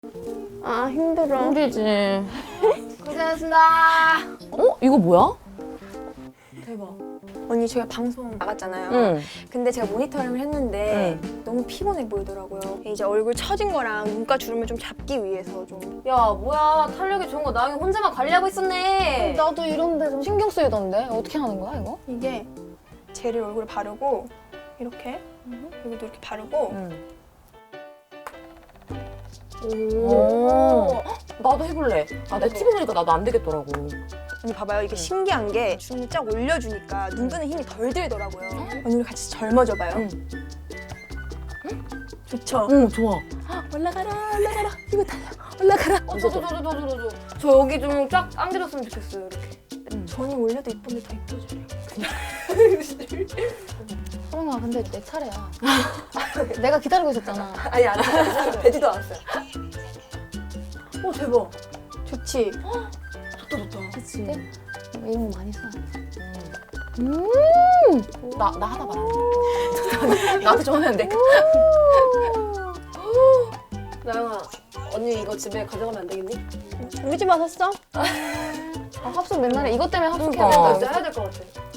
아 힘들어. 힘들지. 고생하셨습니다. 어? 이거 뭐야? 대박. 언니 저희가 방송 나갔잖아요. 응. 근데 제가 모니터링을 했는데 너무 피곤해 보이더라고요. 이제 얼굴 처진 거랑 눈가 주름을 좀 잡기 위해서 좀. 야, 뭐야. 탄력이 좋은 거 나영이 혼자만 관리하고 있었네. 나도 이런데 좀 신경 쓰이던데 어떻게 하는 거야 이거? 이게 젤을 얼굴에 바르고 이렇게 여기도 이렇게 바르고 응. 오. 나도 해볼래. 아, 내 TV 보니까 나도 안 되겠더라고. 언니 봐봐요. 이게 신기한 게 주름을 쫙 올려주니까 눈 뜨는 힘이 덜 들더라고요. 언니 우리 같이 젊어져봐요. 응. 좋죠? 응, 좋아. 올라가라 올라가라 이거 달려 올라가라. 저도. 저 여기 좀 쫙 당겨줬으면 좋겠어요, 이렇게. 전이 올려도 이쁜데 더 이뻐져요. 소영아 근데 내 차례야. 내가 기다리고 있었잖아. 아니 안 돼. 되지도 않았어요. 오 대박. 좋지? 좋다. 그치? 이런 거 많이 써. 나 하나 봐라. 나한테 좀 하면 안 돼? 나영아, 언니 이거 집에 가져가면 안 되겠니? 우리 집 와서 써? 합숙 맨날에 이것 때문에 합숙해야 그러니까. 된다. 진짜 해야 될 것 같아.